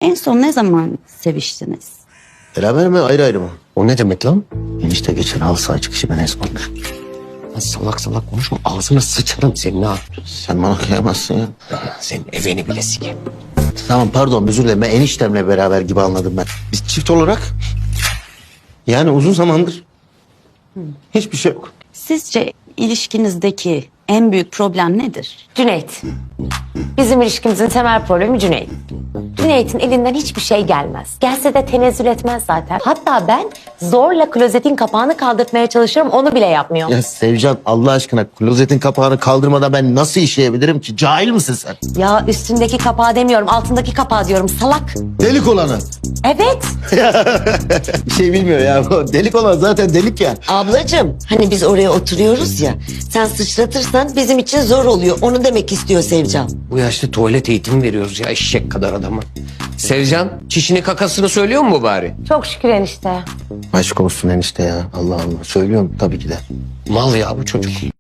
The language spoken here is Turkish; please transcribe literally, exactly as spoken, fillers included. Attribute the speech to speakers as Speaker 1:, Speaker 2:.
Speaker 1: En son ne zaman seviştiniz?
Speaker 2: Beraber mi ayrı ayrı mı?
Speaker 3: O ne demek lan?
Speaker 2: Enişte geçen halı saha çıkışı ben Esma.
Speaker 3: Lan salak salak konuşma, ağzına sıçarım senin ha.
Speaker 2: Sen bana kıyamazsın ya.
Speaker 3: Senin evini bile sikeyim.
Speaker 2: Tamam pardon özür dilerim. Ben eniştemle beraber gibi anladım ben. Biz çift olarak yani uzun zamandır hiçbir şey yok.
Speaker 1: Sizce ilişkinizdeki en büyük problem nedir?
Speaker 4: Cüneyt. Bizim ilişkimizin temel problemi Cüneyt. Cüneyt'in elinden hiçbir şey gelmez. Gelse de tenezzül etmez zaten. Hatta ben zorla klozetin kapağını kaldırtmaya çalışıyorum, onu bile yapmıyor.
Speaker 2: Ya Sevcan Allah aşkına klozetin kapağını kaldırmadan ben nasıl işleyebilirim ki? Cahil misin sen?
Speaker 4: Ya üstündeki kapağı demiyorum, altındaki kapağı diyorum, salak.
Speaker 2: Delik olanı.
Speaker 4: Evet.
Speaker 2: Bir şey bilmiyor ya. O delik olan zaten delik ya.
Speaker 5: Ablacığım hani biz oraya oturuyoruz ya, sen sıçratırsan bizim için zor oluyor. Onu demek istiyor Sevcan.
Speaker 3: Bu yaşta tuvalet eğitimi veriyoruz ya eşek kadar adama. Sevcan, çişini kakasını söylüyor mu bari?
Speaker 4: Çok şükür enişte.
Speaker 2: Aşk olsun enişte ya. Allah Allah. Söylüyorum tabii ki de.
Speaker 3: Mal ya bu çocuk.